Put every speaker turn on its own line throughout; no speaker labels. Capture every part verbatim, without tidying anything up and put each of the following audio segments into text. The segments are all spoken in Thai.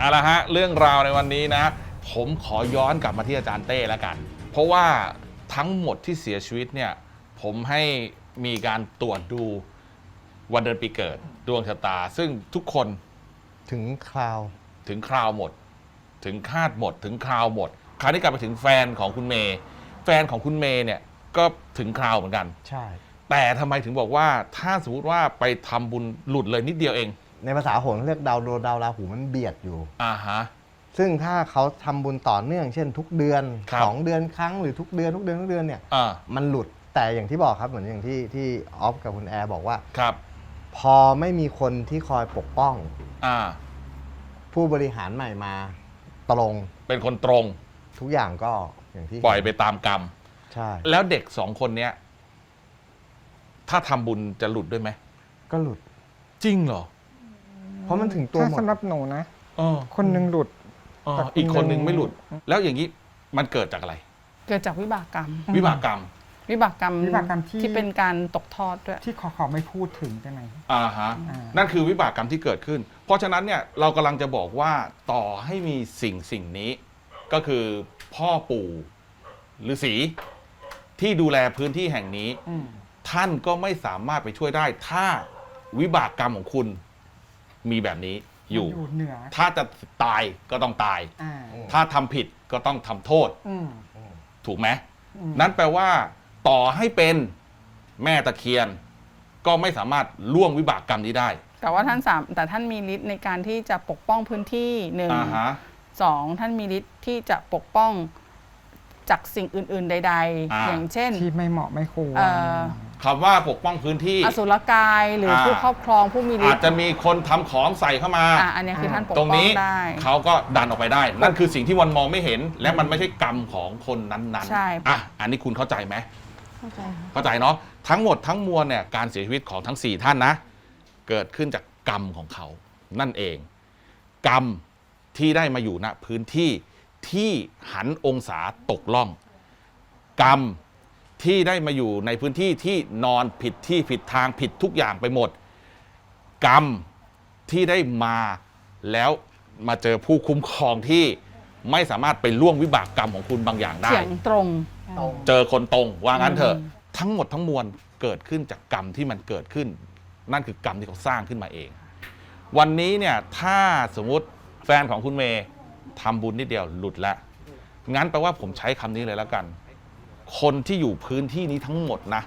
เอาละฮะเรื่องราวในวันนี้นะผมขอย้อนกลับมาที่อาจารย์เต้แล้วกันเพราะว่าทั้งหมดที่เสียชีวิตเนี่ยผมให้มีการตรวจดูวันเดือนปีเกิดดวงชะตาซึ่งทุกคน
ถึงคราว
ถึงคราวหมดถึงคาดหมดถึงคราวหมดคราวนี้กลับไปถึงแฟนของคุณเมย์แฟนของคุณเมย์เนี่ยก็ถึงคราวเหมือนกัน
ใช่
แต่ทำไมถึงบอกว่าถ้าสมมติว่าไปทำบุญหลุดเลยนิดเดียวเอง
ในภาษาโหราเรียกดาวโดดาวราหูมันเบียดอยู่
อ่าฮะ
ซึ่งถ้าเขาทำบุญต่อเนื่องเช่นทุกเดือนสองเดือนครั้งหรือทุกเดือนทุกเดือนทุกเดือนเนี่ยมันหลุดแต่อย่างที่บอกครับเหมือนอย่างที่ที่ออฟกับคุณแอร์บอกว่า
ครับ
พอไม่มีคนที่คอยปกป้อง
อ่า
ผู้บริหารใหม่มาตรง
เป็นคนตรง
ทุกอย่างก็อย่างที่
ปล่อยไปตามกรรม
ใช่
แล้วเด็กสองคนเนี้ยถ้าทำบุญจะหลุดด้วยไหม
ก็หลุด
จริงเหรอ
เพราะมันถึงตัวหมด
สำหรับหนูนะ
อ
คนหนึ่งหลุด
อีกคนหนึ่งไม่หลุดแล้วอย่างนี้มันเกิดจากอะไร
เกิดจากวิบากกรรม
วิบากกรรม
วิบากกรรม
วิบากกรรมที่
ที่เป็นการตกทอดด้วย
ที่ขอขอไม่พูดถึงได้ไหม
อ่าฮะนั่นคือวิบากกรรมที่เกิดขึ้นเพราะฉะนั้นเนี่ยเรากำลังจะบอกว่าต่อให้มีสิ่งสิ่งนี้ก็คือพ่อปู่ฤาษีที่ดูแลพื้นที่แห่งนี้ท่านก็ไม่สามารถไปช่วยได้ถ้าวิบากกรรมของคุณมีแบบนี้อยู่
เหนือ
ถ้าจะตายก็ต้องตายถ้าทำผิดก็ต้องทำโทษถูกไหมนั้นแปลว่าต่อให้เป็นแม่ตะเคียนก็ไม่สามารถล่วงวิบากกรรมนี้ได้
แต่ว่าท่านสามแต่ท่านมีฤทธิ์ในการที่จะปกป้องพื้นที่หนึ่งสองท่านมีฤทธิ์ที่จะปกป้องจากสิ่งอื่นๆใดๆอย่างเช่น
ที่ไม่เหมาะไม่ควร
คำว่าปกป้องพื้นที่
อสุรกายหรือผู้ครอบครองผู้มีฤทธิ์
อาจจะมีคนทำของใส่เข้ามา
อันนี้คือท่านปกป้องได้
ตรงนี้เขาก็ดันออกไปได้นั่นคือสิ่งที่วันมองไม่เห็นและมันไม่ใช่กรรมของคนนั้นๆ
ใช่
อ่ะอันนี้คุณเข้าใจไหม
เข้าใจ
เข้าใจเนาะทั้งหมดทั้งมวลเนี่ยการเสียชีวิตของทั้งสี่ท่านนะเกิดขึ้นจากกรรมของเขานั่นเองกรรมที่ได้มาอยู่ณพื้นที่ที่หันองศาตกล่องกรรมที่ได้มาอยู่ในพื้นที่ที่นอนผิดที่ผิดทางผิดทุกอย่างไปหมดกรรมที่ได้มาแล้วมาเจอผู้คุ้มครองที่ไม่สามารถไปล่วงวิบากกรรมของคุณบางอย่างได้
เฉียงตรง
เจอคนตรงว่างั้นเถอะทั้งหมดทั้งมวลเกิดขึ้นจากกรรมที่มันเกิดขึ้นนั่นคือกรรมที่เขาสร้างขึ้นมาเองวันนี้เนี่ยถ้าสมมุติแฟนของคุณเมย์ทำบุญนิดเดียวหลุดแล้วงั้นแปลว่าผมใช้คำนี้เลยแล้วกันคนที่อยู่พื้นที่นี้ทั้งหมดนะ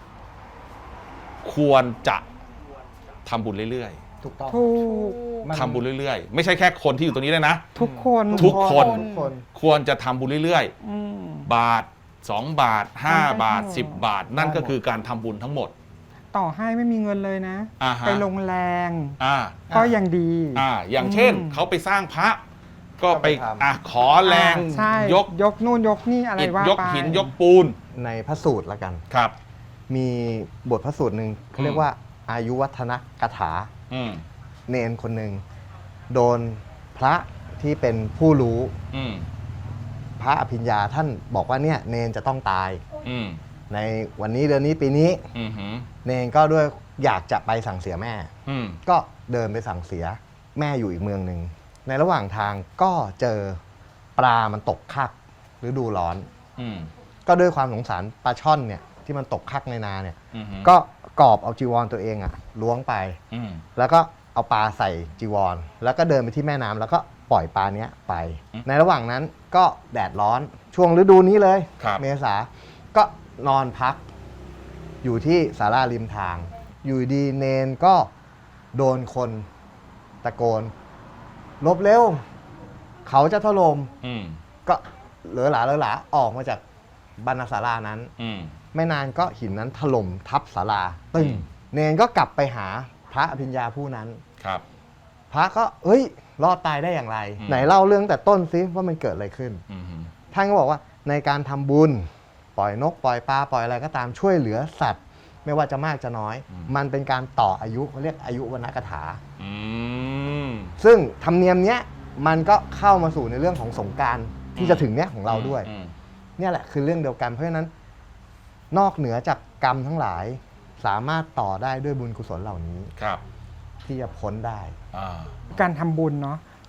ควรจะทำบุญเรื่อย
ๆถูกต้อง
ทำบุญเรื่อยๆไม่ใช่แค่คนที่อยู่ตรงนี้เลยนะ
ทุกคน
ทุกคนควรจะทำบุญเรื่อยๆบาทสองบาทห้าบาทสิบบาทนั่นก็คือการทำบุญทั้งหมด
ต่อให้ไม่มีเงินเลยนะไปลงแรงก็ยังดี
อ่าอย่างเช่นเขาไปสร้างพระก็ไปอ่ะขอแรง
ยกยกนู่นยกนี่อะไรว่าย
กหินยกปูน
ในพระสูตรละกัน
ครับ
มีบทพระสูตรหนึ่งเขาเรียกว่าอายุวัฒนกถาเนนคนหนึ่งโดนพระที่เป็นผู้รู้พระอภิญญาท่านบอกว่าเนี่ยเนนจะต้องตายในวันนี้เดือนนี้ปีนี้เนนก็ด้วยอยากจะไปสั่งเสียแม่ก็เดินไปสั่งเสียแม่อยู่อีกเมืองหนึ่งในระหว่างทางก็เจอปลามันตกคักฤดูร้อนก็ด้วยความสงสารปลาช่อนเนี่ยที่มันตกคักในนาเนี่ยก็กอบเอาจีวรตัวเองอะล้วงไปแล้วก็เอาปลาใส่จีวรแล้วก็เดินไปที่แม่น้ำแล้วก็ปล่อยปลาเนี้ยไปในระหว่างนั้นก็แดดร้อนช่วงฤดูนี้เลยเมษาก็นอนพักอยู่ที่ศาลาริมทางอยู่ดีเนนก็โดนคนตะโกนลบเร็วเขาจะถล่มก็เหลือหลาเหลือหลาออกมาจากบรรณศาลานั้นไม่นานก็หินนั้นถล่มทับศาลาตึ้งเนนก็กลับไปหาพระอภิญญาผู้นั้น
ครับ
พระก็เฮ้ยรอดตายได้อย่างไรไหนเล่าเรื่องแต่ต้นซิว่ามันเกิดอะไรขึ้นท่านก็บอกว่าในการทำบุญปล่อยนกปล่อยปลาปล่อยอะไรก็ตามช่วยเหลือสัตว์ไม่ว่าจะมากจะน้อยมันเป็นการต่ออายุเขาเรียกอายุวรรณกถาซึ่งธรรมเนียมเนี้ยมันก็เข้ามาสู่ในเรื่องของสงกรานต์ที่จะถึงเนี้ยของเราด้วยเนี่ยแหละคือเรื่องเดียวกันเพราะฉะนั้นนอกเหนือจากกรรมทั้งหลายสามารถต่อได้ด้วยบุญกุศลเหล่านี้
ครับ
ที่จะพ้นได้
การทำบุญเนาะ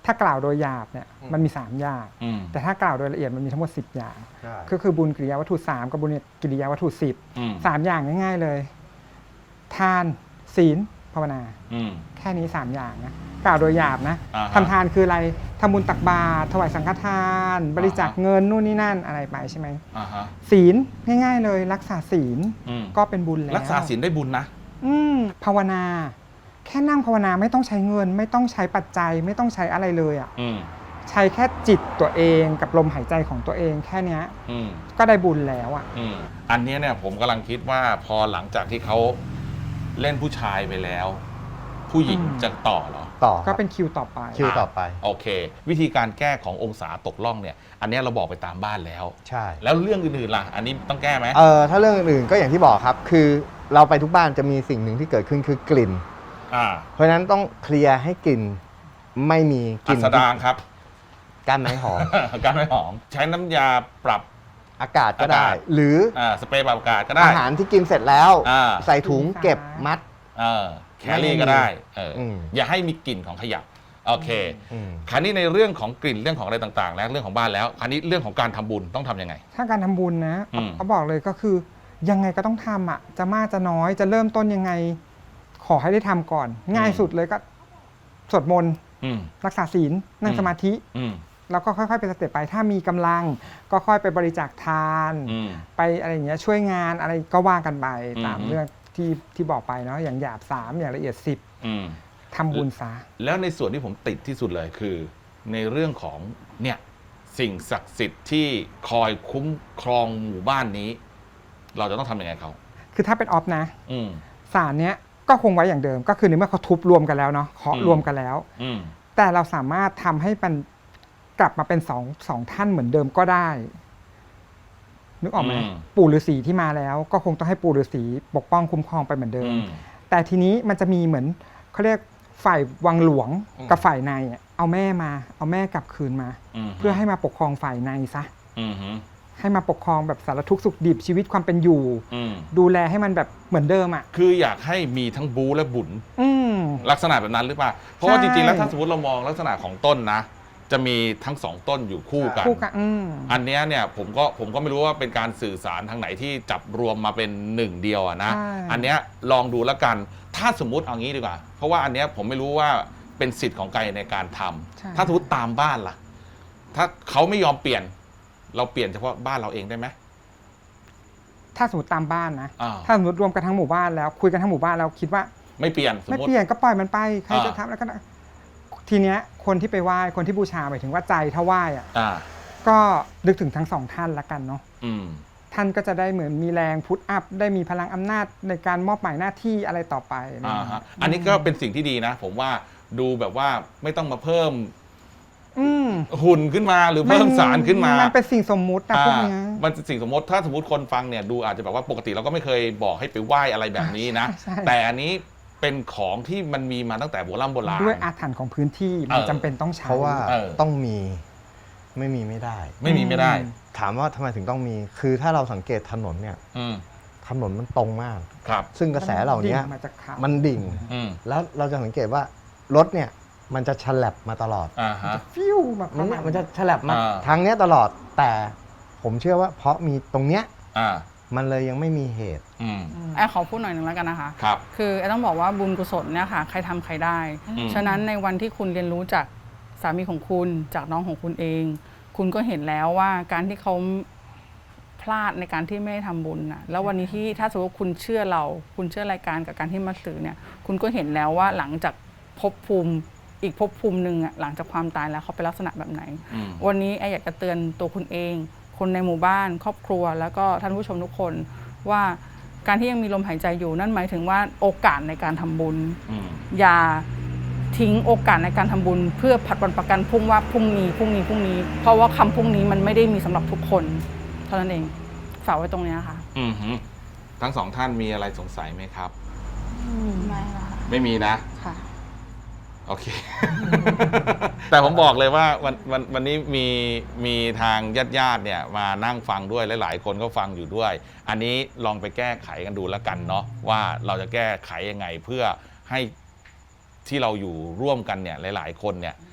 ถ้ากล่าวโดยหยาบเนี่ยมันมีสามอย่าง
อืม
แต่ถ้ากล่าวโดยละเอียดมันมีทั้งหมดสิบอย่าง
ใช่
ก็คือบุญกิริยาวัตถุสามกับบุญกิริยาวัตถุสิบ
อืม
สามอย่างง่ายๆเลย ทานศีลภาวนา
อืม
แค่นี้สามอย่างนะกล่าวโดยหยาบนะ
อ่าฮะ
ทำทานคืออะไรทำบุญตักบาตรถวายสังฆทาน บริจาค
อ่าฮะ
เงินนู่นนี่นั่นอะไรไปใช่ไหม
อ่าฮะ
ศีลง่ายๆเลย รักษาศีล
อืม
ก็เป็นบุญแล้ว
รักษาศีลได้บุญนะ
อืมภาวนา แค่นั่งภาวนาไม่ต้องใช้เงิน ไม่ต้องใช้ปัจจัย ไม่ต้องใช้อะไรเลยอ่ะ
อืม
ใช้แค่จิตตัวเองกับลมหายใจของตัวเองแค่เนี้ย
อืม
ก็ได้บุญแล้วอ่ะ
อืมอันเนี้ยเนี่ยผมกำลังคิดว่าพอหลังจากที่เขาเล่นผู้ชายไปแล้ว ผู้หญิง
อืม
จะต่อเหรอ
ต่อค
ก็
รับ
เป็นคิวต่อไป
คิวต่อไป
โอเค วิธีการแก้ขององศาตกล่องเนี่ย อันเนี้ยเราบอกไปตามบ้านแล้ว
ใช่
แล้วเรื่องอื่นๆล่ะ อันนี้ต้องแก้ไหม
เออถ้าเรื่องอื่นๆก็อย่างที่บอกครับ คือเราไปทุกบ้านจะมีสิ่งหนึ่งที่เกิดขึ้นคือกลิ่น
อ่า
เพราะฉะนั้นต้องเคลียร์ให้กลิ่นไม่มีก
อั
ลิ่น
สดางครับ
ก้านไม้หอม
การไม่หอม ใช้น้ำยาปรับ
อากาศก็ได้
อากาศ
หรือ
อ่าสเปรย์ปรับอากาศก็ได้
อาหารที่กินเสร็จแล้ว
อ่า
ใส่ถุงเก็บมัด
เออแคลรี่ก็ได้เอออ
ม
อย่าให้มีกลิ่นของขยะโอเค
อืม
คราวนี้ในเรื่องของกลิ่นเรื่องของอะไรต่างๆ แล้วเรื่องของบ้านแล้วคราวนี้เรื่องของการทำบุญต้องทำยังไง
ถ้าการทำบุญนะ
อืม
เขาบอกเลยก็คือยังไงก็ต้องทำอ่ะ จะมากจะน้อยจะเริ่มต้นยังไง ขอให้ได้ทำก่อน ง่ายสุดเลยก็สวดมนต์
อืม
รักษาศีลนั่ง
อืม
สมาธิ
อืม
แล้วก็ค่อยๆเป็นสเต็ปไป ถ้ามีกำลังก็ค่อยไปบริจาคทาน
อืม
ไปอะไรอย่างเงี้ยช่วยงานอะไรก็ว่ากันไปตาม
อืม
เรื่องที่ที่บอกไปเนาะอย่างหยาบสามอย่างละเอียดสิบ
อืม
ทำบุญซะ
แล้วในส่วนที่ผมติดที่สุดเลยคือ ในเรื่องของเนี่ยสิ่งศักดิ์สิทธิ์ที่คอยคุ้มครองหมู่บ้านนี้ เราจะต้องทำยังไงเขา
คือถ้าเป็นออฟนะ
อืม
สารเนี้ยก็คงไว้อย่างเดิม ก็คือในเมื่อเขาทุบรวมกันแล้วเนาะเคาะ
อืม
รวมกันแล้ว
อืม
แต่เราสามารถทำให้มันกลับมาเป็นสองสองท่านเหมือนเดิมก็ได้ นึกออกไหม
อืม
ปู่ฤาษีที่มาแล้ว ก็คงต้องให้ปู่ฤาษีปกป้องคุ้มครองไปเหมือนเดิ
อื
ม
ม
แต่ทีนี้มันจะมีเหมือนเขาเรียกฝ่ายวังหลวง
อืม
กับฝ่ายในอะเอาแม่มา เอาแม่กลับคืนมา
ม
เพื่อให้มาปกครองฝ่ายในซะ
อืมฮึ
ให้มาปกครองแบบสารทุกข์สุขดิบชีวิตความเป็นอยู่
อืม
ดูแลให้มันแบบเหมือนเดิมอ่ะ
คืออยากให้มีทั้งบูและบุญ
อืม
ลักษณะแบบนั้นหรือเปล่า เพราะว่า
ใช่
จริงๆ แล้วถ้าสมมติเรามองลักษณะของต้นนะ จะมีทั้งสองต้นอยู่คู่กัน
คู่กันอืม
อันเนี้ยเนี่ยผมก็ผมก็ไม่รู้ว่าเป็นการสื่อสารทางไหนที่จับรวมมาเป็นหนึ่งเดียวอะนะ
ใช่
อันเนี้ยลองดูแล้วกัน ถ้าสมมุติเอางี้ดีกว่า เพราะว่าอันเนี้ยผมไม่รู้ว่าเป็นสิทธิ์ของใครในการทำ
ใช่
ถ้าสมมติตามบ้านล่ะ ถ้าเขาไม่ยอมเปลี่ยน เราเปลี่ยนเฉพาะบ้านเราเองได้ไหม
ถ้าสมมติตามบ้านนะ
อ่า
ถ้าสมมติรวมกันทั้งหมู่บ้านแล้วคุยกันทั้งหมู่บ้านแล้วคิดว่า
ไม่เปลี่ยนสม
ไม่
มติ
เปลี่ยนก็ปล่อยมันไปใคร
อ่า
จะทำแล้วก็ได้ทีเนี้ยคนที่ไปไหว้คนที่บูชาหมายถึงว่าใจถ้าไหว้อะ
อ่า
ก็นึกถึงทั้งสองท่านละกันเนาะ
อืม
ท่านก็จะได้เหมือนมีแรงพุทอัพได้มีพลังอำนาจในการมอบหมายหน้าที่อะไรต่อไปอะไรอย่าง
อ่า
เงี้ย
ฮะอันนี้ก็เป็นสิ่งที่ดีนะ ผมว่าดูแบบว่าไม่ต้องมาเพิ่ม
อืม
หุ่นขึ้นมาหรือเพิ่มสารขึ้นมา
มันเป็นสิ่งสมมุตินะพวกเนี้ย
อ่ามันสิ่งสมมติถ้าสมมติคนฟังเนี่ยดูอาจจะแบบว่าปกติเราก็ไม่เคยบอกให้ไปไหว้อะไรแบบนี้นะ
ใช่
แต่อันนี้เป็นของที่มันมีมาตั้งแต่โบราณโบราณ
ด้วยอาถรรพ์ของพื้นที่มัน
เออ
จำเป็นต้องใช้
เพราะว่า
เออ
ต้องมีไม่มีไม่ได้
ไม่มีไม่ได้
อืม
ถามว่าทำไมถึงต้องมี คือถ้าเราสังเกตถนนเนี่ย
อืม
ถนนมันตรงมาก
ครับ
ซึ่งกระแสเหล่านี้
ดิ่งมาจากเขา
มันดิ่ง
อืม
แล้วเราจะสังเกตว่ารถเนี่ยมันจะฉลับมาตลอด
อ่าฮะ
ฟิวแบบ
มันเนี่ยมันจะฉลับมา
อ่า
ทางเนี้ยตลอด แต่ผมเชื่อว่าเพราะมีตรงเนี้ย
อ่า
มันเลยยังไม่มีเหตุ
อืม
แอร์ขอพูดหน่อยหนึ่งแล้วกันนะคะ
ครับ
คือแอร์ต้องบอกว่าบุญกุศลเนี่ยค่ะใครทำใครได้
อืม
ฉะนั้นในวันที่คุณเรียนรู้จากสามีของคุณจากน้องของคุณเอง คุณก็เห็นแล้วว่าการที่เขาพลาดในการที่ไม่ได้ทำบุญนะแล้ววันนี้ที่ถ้าสมมติว่าคุณเชื่อเรา คุณเชื่อรายการกับการที่มาสื่อเนี่ย คุณก็เห็นแล้วว่าหลังจากภพภูมิอีกภพภูมิหนึ่งอะหลังจากความตายแล้วเขาเป็นลักษณะแบบไหน
อืม
วันนี้แอร์อยากจะเตือนตัวคุณเอง คนในหมู่บ้าน ครอบครัว แล้วก็ท่านผู้ชมทุกคนว่าการที่ยังมีลมหายใจอยู่นั่นหมายถึงว่าโอกาสในการทำบุญ
อืม
อย่าทิ้งโอกาสในการทำบุญ เพื่อผัดวันประกันพรุ่งว่าพรุ่งนี้พรุ่งนี้พรุ่งนี้ เพราะว่าคำพรุ่งนี้มันไม่ได้มีสำหรับทุกคน เท่านั้นเองฝากไว้ตรงนี้ค่ะ
อืมฮึทั้งสองท่านมีอะไรสงสัยไหมครับ
ไม่ละ
ไม่มีนะ
ค่ะ
โอเค แต่ผมบอกเลยว่าวันวันวันนี้มีมีทางญาติญาติๆเนี่ยมานั่งฟังด้วยหลายๆคนก็ฟังอยู่ด้วย อันนี้ลองไปแก้ไขกันดูแล้วกันเนาะว่าเราจะแก้ไขยังไงเพื่อให้ที่เราอยู่ร่วมกันเนี่ยหลายๆคนเนี่ย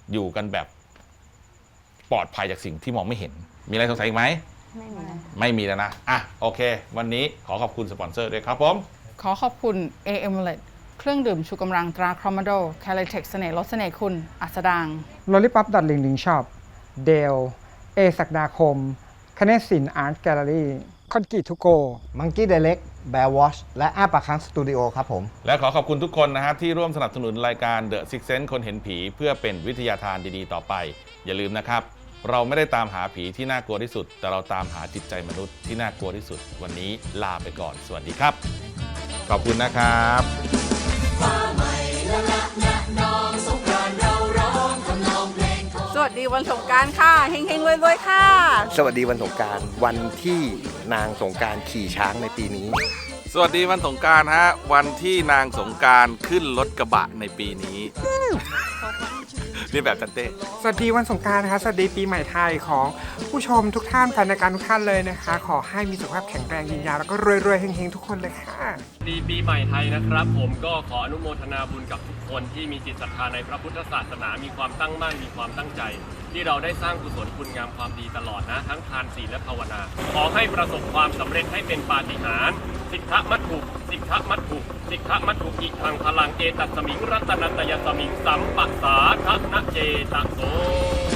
อยู่กันแบบปลอดภัยจากสิ่งที่มองไม่เห็น มีอะไรสงสัยอีกไหม
ไม่มี
ไม่มีแล้วนะ อ่ะ โอเค วันนี้ขอขอบคุณสปอนเซอร์ด้วยครับผม
ขอขอบคุณ เอ เอ็ม แอล อี เครื่องดื่มชูกำลังตราครอมโดแคลเทคเสน่ห์ลดเสน่ห์คุณ อัสดาง
l o l l i p o p ลิงลิงช็อปเดลเอศักดาคมคเนศินอาร์ตแกลเลอรี่คอนกรีตทูโก
มังกี้ไดเล็กแบร์วอชและอ้าปากค้างสตูดิโอครับผม
และขอขอบคุณทุกคนนะครับที่ร่วมสนับสนุนรายการ The Six Sense คนเห็นผีเพื่อเป็นวิทยาทานดีๆต่อไป อย่าลืมนะครับ เราไม่ได้ตามหาผีที่น่ากลัวที่สุด แต่เราตามหาจิตใจมนุษย์ที่น่ากลัวที่สุด วันนี้ลาไปก่อน สวัสดีครับ ขอบคุณนะครับ
สวัสดีวันสงกรานต์ค่ะเฮงๆรวยๆค่ะ
สวัสดีวันสงกรานต์วันที่นางสงกรานต์ขี่ช้างในปีนี้
สวัสดีวันสงกรานต์ฮะ วันที่นางสงกรานต์ขึ้นรถกระบะในปีนี้ นี่แบบจันเต้
สวัสดีวันสงกรานต์นะคะ สวัสดีปีใหม่ไทยของผู้ชมทุกท่านแฟนรายการทุกท่านเลยนะคะ ขอให้มีสุขภาพแข็งแรงยืนยาวแล้วก็รวยๆเฮงๆทุกคนเลยค่ะ
ดีปีใหม่ไทยนะครับ ผมก็ขออนุโมทนาบุญกับทุกคนที่มีจิตศรัทธาในพระพุทธศาสนามีความตั้งมั่นมีความตั้งใจ ที่เราได้สร้างกุศลคุณงามความดีตลอดนะ ทั้งทานศีลและภาวนา ขอให้ประสบความสำเร็จให้เป็นปาฏิหาริย์สิทธมัตถุสิทธมัตถุสิทธมัตถุอิทังพลังเอตัสสมิงรัตนัตยสมิงสัมปัสสาทนะเจตโส